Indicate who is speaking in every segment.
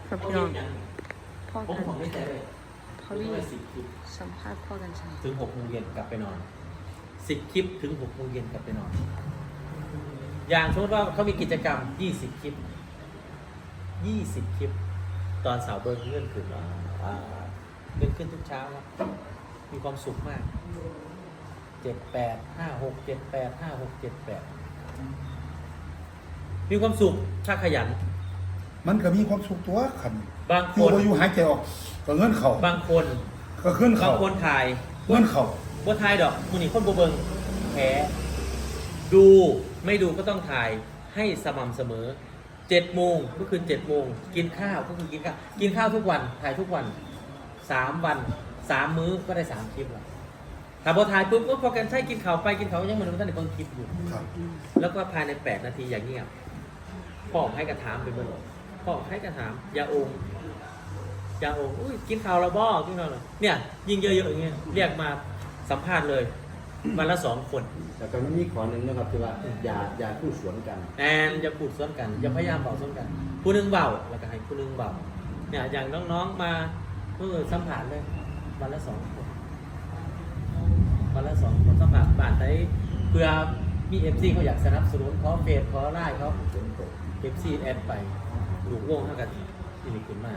Speaker 1: ครับพี่น้องพ่อกันพ่อวี่สัมภาษณ์พ่อกันใช่
Speaker 2: ถึง6 โมงเย็นกลับไปนอน10 คลิปถึง6 โมงเย็นกลับไปนอนอย่างสมมติว่าเขามีกิจกรรม20 คลิป20 คลิปตอนเสาร์เบิร์เลื่อนขึ้นเลื่อนขึ้นทุกเช้าครับมีความสุขมาก7856785678มีความสุขถ้าขยัน
Speaker 3: มันก็มีความสุขตัวขัน
Speaker 2: บางคน
Speaker 3: อยู่หายใจออกก็เงินเข่า
Speaker 2: บางคน
Speaker 3: ก็ขึ้น
Speaker 2: บา
Speaker 3: เข่าง
Speaker 2: คนถ่าย
Speaker 3: เงินเข่า
Speaker 2: บ่ถ่ายดอกมูนี่คนบ่เบิงแพ้ดูไม่ดูก็ต้องถ่ายให้สม่ำเสมอ7 โมงก็คือ7 โมงกินข้าวก็คือกินข้าวทุกวันถ่ายทุกวัน3 วัน3 มื้อก็ได้3 คลิปแล้วถ้าพอถ่ายปุ๊บก็พอกันใช่กินข้าวไปกินข้าวยังเหมือนท่านในบางคลิปอยู่
Speaker 3: ครับ
Speaker 2: แล้วก็ภายใน8 นาทีอย่างเงียบพ่อให้กระถามไปเมื่อไหร่พ่อให้กระถามยาองอุ้ยกินข้าวแล้วบ่กินข้าวแล้วเนี่ยยิ่งเยอะๆอย่างเงี้ยเรียกมาสัมภาษณ์เลยวันละ2 คน
Speaker 4: แต่ก็ไม่มีขอหนึ่งนะครับคือว่าอย่าพูดสวนกัน
Speaker 2: แอนจะพูดซ้อนกันอย่าพยายามเบาซ้อนกันผู้หนึงเบาแล้วก็ให้ผู้หนึงเบาเนี่ยอย่างน้องๆมาสัมผัสเลยวันละ2 คนวันละ2 คนสัมผัสบาทได้เพื่อมีเอฟซีเขาอยากสนับสนุนเขาเฟซเขาไล่เขาเอฟซีแอดไปลูกวงเท่ากันที่นี่ขึ้นมา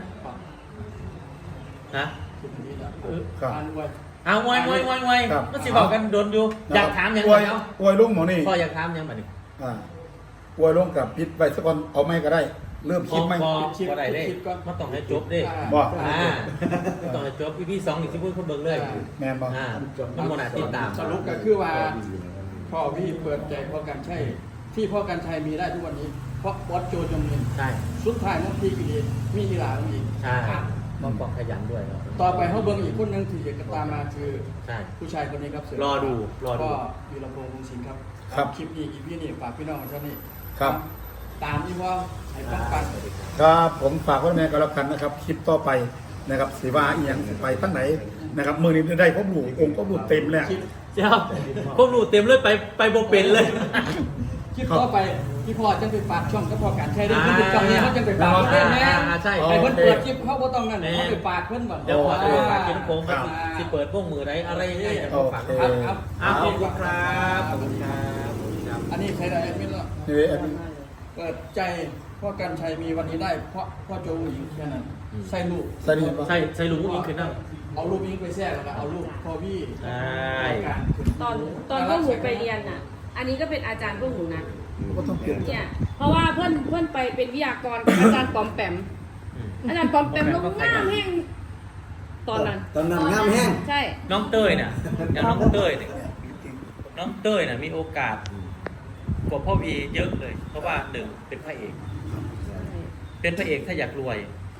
Speaker 2: นะ
Speaker 3: ครับ
Speaker 2: เอาไว้
Speaker 3: ครับ
Speaker 2: มันสิบอกกันโดนอยู่อยากถามยัง
Speaker 3: อ
Speaker 2: ไง
Speaker 3: วย
Speaker 2: เอา
Speaker 3: อวยลุงหมอนี่
Speaker 2: พ่ออยากถามยังไง
Speaker 3: อวยลุงกับพิษไปสักคนเอาไม่ก็ได้ เริ่ม
Speaker 2: พ
Speaker 3: คิดไหม
Speaker 2: อได้เลยมาต้องให้จบเด้
Speaker 3: บอก
Speaker 2: มาต้องให้จบพี่2นี่สิพูดคนเบิ่งเลย
Speaker 3: แมนบอก
Speaker 2: มันโมนาติดตาม
Speaker 5: สรุปก็คือว่าพ่อพี่เปิดใจพ่อกันใช่ที่พ่อกันชัยมีได้ทุกวันนี้เพราะบอสโจจงมิน
Speaker 2: ใช่
Speaker 5: สุดท้ายมันพี่กิเลสมีอีหลาอีก
Speaker 2: ใช่ต้องบอกขยันด้วยเนาะ
Speaker 5: ต่อไปเขาเบิ้งอีกคนหนึงที่จะตามมาคือ
Speaker 2: ใช่
Speaker 5: ผู้ชายคนนี้ครับเสื
Speaker 2: รอดู
Speaker 5: ก็วีรพงษ์วงศ์สิงห์ครับ
Speaker 3: ครับ
Speaker 5: คลิปนี้อีพี่นี่ฝากพี่น้องท่านนี้
Speaker 3: ครับ
Speaker 5: ตามที่ว่าให้ป้องกัน
Speaker 3: ครับผมฝากไว้แม่ก็แล้วกันนะครับ คลิปต่อไปนะครับสีว่าอีหยังไปตั้งไหนนะครับมือนี้ได้พบหลู่องค์พบหลู่เต็มแล้ว
Speaker 2: เจ้าพวกหนูเต็มเลยไปโบเป็นเลย
Speaker 5: คลิปต่อไปที่พ่อจะไปฝากช่องก็พอกันใช่ได้ที่ติดกับนี้เขาจะไปฝากเพื่อนแม่
Speaker 2: ใช่
Speaker 5: ไอ้เพิ่นเปิดคลิปเขาก็ต้องนั่นเขาไปฝากเพื่อนก่อน
Speaker 2: เดี๋ยวพอจะฝากกินโค้งสิเปิดพวกมือไรอะไรยังไงจะมาฝาก
Speaker 5: ครับ
Speaker 2: ขอบคุณครับขอบคุณครับ
Speaker 5: อันนี้ใครได้ไม่รู้
Speaker 3: นี่แอดมิน
Speaker 5: เปิดใจพ่อกันชัยมีวันนี้ได้เพราะพ่อโจหญิงแค่นั้นใส่ลูก
Speaker 3: สวัสดีครับ
Speaker 2: ใส่ลุงนี่คือนั่ง
Speaker 5: เอารูปยิงไปแทรกแล้วก็เอารูปพ่อพี่
Speaker 2: ใช่
Speaker 1: ตอนพวกหนูไปเรียนอ่ะ อันนี้ก็เป็นอาจารย์พวกหนูนะ
Speaker 3: ก็ต้องเปลี่ยน
Speaker 1: เนี่ยเพราะว่าเพื่อนไปเป็นวิทยากรกับอาจารย์ปอมแปมอาจารย์ปอมแปมลงหน้าแห้งตอนนั้น
Speaker 4: ตอนนั้นงามแห้ง
Speaker 1: ใช่
Speaker 2: น้องเต้ยเนี่ยอย่างน้องเต้ยเนี่ยมีโอกาสกว่าพ่อวีเยอะเลย เพราะว่า1เป็นพระเอกถ้าอยากรวย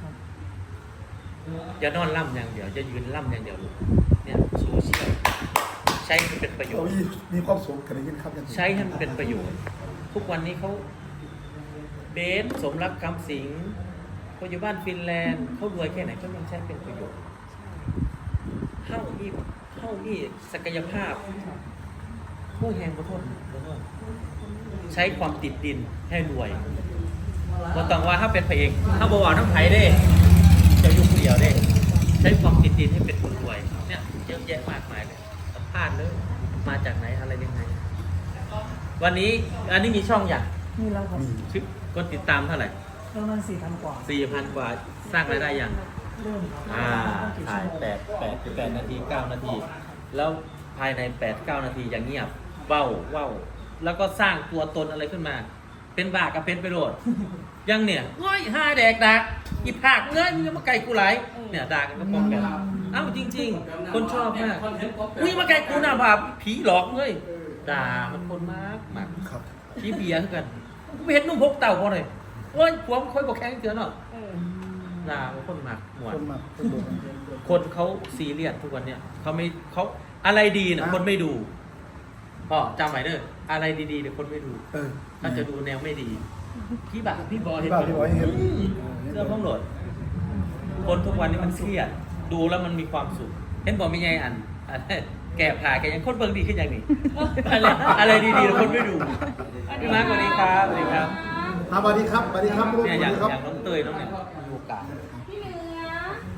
Speaker 2: อย่านอนล่ำอย่างเดียวจะยืนล่ำอย่างเดียวเนี่ยโซเชียลใช้ให้มันเป็นประโยชน์
Speaker 3: มีความสุขกันได้ยินครับ
Speaker 2: ใช้ให้มันเป็นประโยชน์ทุกวันนี้เขาเบสสมรักคำสิงเขาอยู่บ้านฟินแลนด์เขารวยแค่ไหนเขายังใช้เป็นประโยชน์เข้านี่ศักยภาพพวกแหงขอโทษใช้ความติดดินให้รวยก็ต้องว่าถ้าเป็นพระเอกถ้าบวรน้ำไผ่ได้จะยุ่งเดียวได้ใช้ความติดดินให้เป็นคนรวยเนี่ยเยอะแยะมากมายเลยสัมภาษณ์เลยมาจากไหนอะไรยังไงวันนี้อันนี้มีช่องอย่าง
Speaker 6: มีแล้วครับ
Speaker 2: ชื่อคนติดตามเท่าไหร่
Speaker 6: ประมาณ4,000 กว่า
Speaker 2: 4,000 กว่าสร้างรายได้ยัง
Speaker 6: เริ่มครับ
Speaker 2: ถ่าย8นาที9 นาที แล้วภายใน8-9 นาทีอย่างเงียบเว้าแล้วก็สร้างตัวตนอะไรขึ้นมา เป็นบากับเป็นไปโรดยังเนี่ยเฮ้ย5แดกดักอีผากเงยมึงมาไก่กูไหลเนี่ยด่ากันก็ป้องกันเอ้าจริงๆ คนชอบมากอุ้ยมาไก่กูน่ะแบบผีหลอกเลยด่ามันคนมาก
Speaker 3: ครับ
Speaker 2: ชี้เบียร์กันกูไปเห็นนุ่มพกเต่าพอหน่อยโอ้ยผัวมันค่อยบอกแข้งเตือนเนาะด่ามันคนมากหมด
Speaker 3: คนมาคนดู
Speaker 2: คนเขาซีเรียสทุกวันเนี่ยเขาอะไรดีเนี่ยคนไม่ดูพ่อจำไว้เด้ออะไรดีๆเนี่ยคนไม่ดูถ้าจะดูแนวไม่ดีพี่บอยเห็น
Speaker 3: พี่บอยเห็น
Speaker 2: เรื่องของโหลดคนทุกวันนี้มันเครียดดูแล้วมันมีความสุขเห็นบอกไม่ไงอันแก่ผ่าแกยังคนเบิ่งดีขึ้นอย่างนี้อะไรดีๆแล้วคนไม่ดูพี่มาร์คสวัสดีครับสวัสดีครับ
Speaker 3: สวัสดีครับสวัสดีครับลูก
Speaker 2: เนี่ย
Speaker 3: ส
Speaker 2: อ
Speaker 3: วั
Speaker 2: ย่าง
Speaker 3: สดีครับ
Speaker 2: น้องเตยน้องเนี่ยมีโอกาส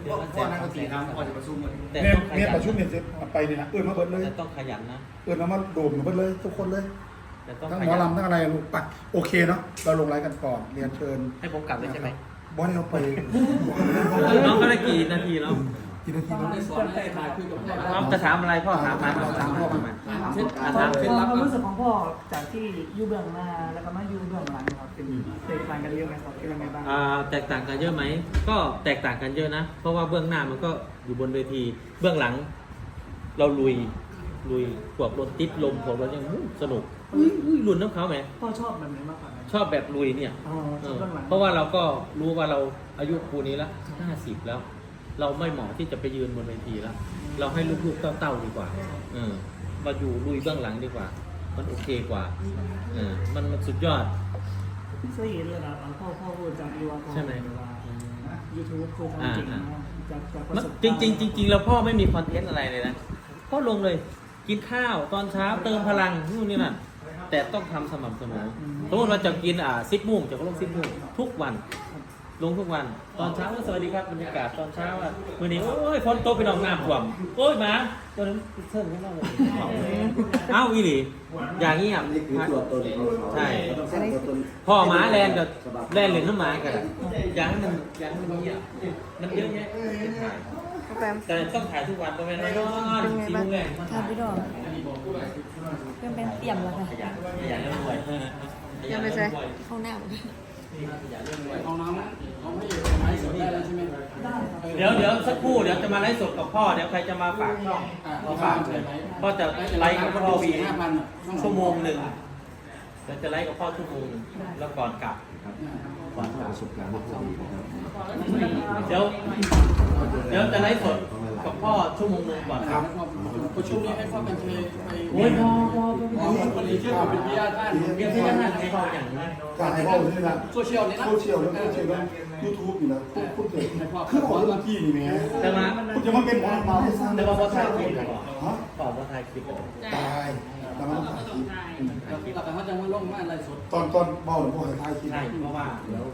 Speaker 2: เดือนละแสนสองแสนแต่
Speaker 3: เนี่ย
Speaker 2: ต้องข
Speaker 3: เนี่ย
Speaker 2: ยัน
Speaker 3: ประชุมเนี่ยจะไปนี่นะมาเบิดเลย
Speaker 2: แต่ต้องขยันนะ
Speaker 3: มาโดมเบิดเลยทุกคนเลย
Speaker 2: แต่ต้อง
Speaker 3: ทั้ง
Speaker 2: ข
Speaker 3: หมอ
Speaker 2: ยัน
Speaker 3: ลำทั้งอะไรลูกปักโอเคเนาะเราลงไลน์กันก่อนเรียนเชิญ
Speaker 2: ให้ผมกลับเลยใช่ไหม
Speaker 3: บอสเราไป
Speaker 2: น้องก็ได้กี่นาทีแล้ว
Speaker 3: กี่นาที
Speaker 5: ต้อง
Speaker 3: แล้ว
Speaker 5: ได้สอนให้ถ่ายคุยกับพ่อ
Speaker 2: น้องจะถามอะไรพ่อถามมา
Speaker 3: ถามพ่อมา
Speaker 5: เช่น
Speaker 6: ความ
Speaker 5: ถามเคล็ดลับ
Speaker 6: รู้สึกของพ่อจากที่อยู่เบื้องหน้าแล้วก็มาอยู่เบื้องหลังครับเป็นแตกต่างกันเยอะไหมครับเป็นยังไงบ้าง
Speaker 2: แตกต่างกันเยอะไหมก็แตกต่างกันเยอะนะ เพราะว่าเบื้องหน้ามันก็อยู่บนเวที เบื้องหลัง เราลุยพวกรถติดลมพวกรถยังสนุกลุ้นน้ำเขาไหม
Speaker 6: พ่อชอบแบบไหนมากกว่ากัน
Speaker 2: ชอบแบบลุยเนี่ย
Speaker 6: อ๋อชอบเบื้องหลัง
Speaker 2: เพราะว่าเราก็รู้ว่าเราอายุปูนี้ละ50แล้ว เราไม่เหมาะที่จะไปยืนบนเวทีแล้ว เราให้ลูกๆเต้าๆดีกว่ามาอยู่ลุยเบื้องหลังดีกว่า มันโอเคกว่ามันสุดยอด
Speaker 6: เคยเห็นเลยนะพ่อพูดจากยูวา
Speaker 2: ใช่ไหม
Speaker 6: ยูทูบคือทำเก่งมากจากประ
Speaker 2: มัน
Speaker 6: สบ
Speaker 2: จริงแล้วพ่อไม่มีคอนเทนต์อะไรเลยนะพ่อลงเลยกินข้าวตอนเช้าเติมพลังนู่นนี่นั่นแต่ต้องทำสม่ำเสมอสมมติเราจะกิน10 โมงจะก็ลง10 โมงทุกวันลงทุกวันตอนเช้าสวัสดีครับบรรยากาศตอนเช้ามื้อนี้โอ้ยฝนตกไปหนองน้ำท่วมโอ้ยหมาตัวนั้นเชิญขึ้นมาเลยเอ้าอีหลีอย่างนี้
Speaker 4: นี่คือตัวตนของเขา
Speaker 2: ใช่
Speaker 4: ต้องสร้างตัวตน
Speaker 2: พ่อหมาแลนกับแลนเหลืองน้ำหมากันอย่างมันเยอะแยะแต่ต้องถ่ายทุกวันประมาณนั้น4 โมงแรก
Speaker 7: ค่ะพี่ดอกเพื่อนเป็นเตรียมแล้วค่ะ
Speaker 2: ขยันเรื่องรวย
Speaker 7: ยังไม่ใช่ห้องน้
Speaker 5: เอาน้ำเอาให้ไม้สดได้แล้วใช่ไหม
Speaker 2: เดี๋ยวสักครู่เดี๋ยวจะมาไลฟ์สดกับพ่อเดี๋ยวใครจะมาฝากช่องมาฝากเลยพ่อจะไลฟ์กับพ่อวีชั่วโมงหนึ่งเดี๋ยวจะไลฟ์กับพ่อชั่วโมงหนึ่งแล้วก่อนกลับ
Speaker 4: ความประสบการณ์ที่ดีนะครับ
Speaker 2: เดี๋ยวจะไลฟ์สดกับพ่อชั่วโมงหนึ่งก่อนครับ
Speaker 5: ประชุมนี้ให้พ่อกันเชยไป
Speaker 2: โอ้ยพ่อ
Speaker 5: ผลิตชื่อเป็นวิทยาท่าน
Speaker 2: เรียนที่นั่นให้พ่ออย่างนี้
Speaker 3: การให้พ่อนี่นะ
Speaker 5: โซเชียลนี่นะ
Speaker 3: โซเชียลแล้วยูทูบอยู่นะพูดเก่งคือขอเรื่องที่นี่แม่
Speaker 2: แต่มา
Speaker 3: คุณจะมาเป็นหมอมาไม่สร้าง
Speaker 2: แต่ว่าพ่อถ่ายคลิปก่อน
Speaker 3: ฮะ
Speaker 2: ต่อพ่อถ่ายคลิปก่อน
Speaker 3: ตายแต่มันต้องถ่ายคลิป
Speaker 5: หลักเขาจะมาลงมาอะไรสด
Speaker 3: ตอนเบาหรือพวกถ่ายคลิป
Speaker 2: ใช่เพราะว่าเดี๋ยว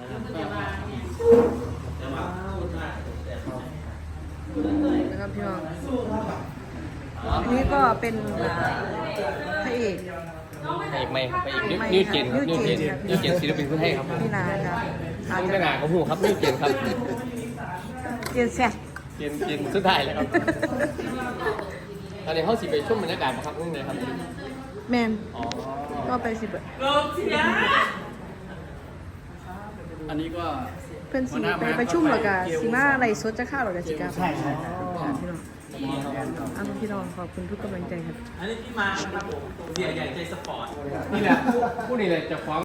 Speaker 2: แต่ว่าพูดได้แต่
Speaker 7: ำนะครับพี่น้องอันนี้ก็เป็นพระเอก
Speaker 8: พระเอกไม่ครับพระเอกนิวเจนครับนิวเจนศิลปินคนไทยครับ
Speaker 7: พี่นาครับอาจ
Speaker 8: นี่
Speaker 7: จะ
Speaker 8: ไม่นานของผมครับนิวเจนครับ
Speaker 7: เจียนแซ่บ
Speaker 8: เจนสุดท้ายเลยครับตอนนี้เขาสิไปช่วงบรรยากาศครับนี่เลยครับ
Speaker 7: แมน
Speaker 8: อ๋อ
Speaker 7: ก็ไปสิเบิด
Speaker 5: อันนี้ก็
Speaker 7: เพื่อนสีไปประชุมหรอกะสีมาอะไรสดจะข้าวหรอกะสิกาใช่พี่น้องเอาพี่น้องขอบคุณทุกกำลังใจครับ
Speaker 2: อันนี้ที่มานะครับผมเสียใหญ่ใจสปอร์ต
Speaker 8: นี่แหละผู้นี้เลยจะฟ้อง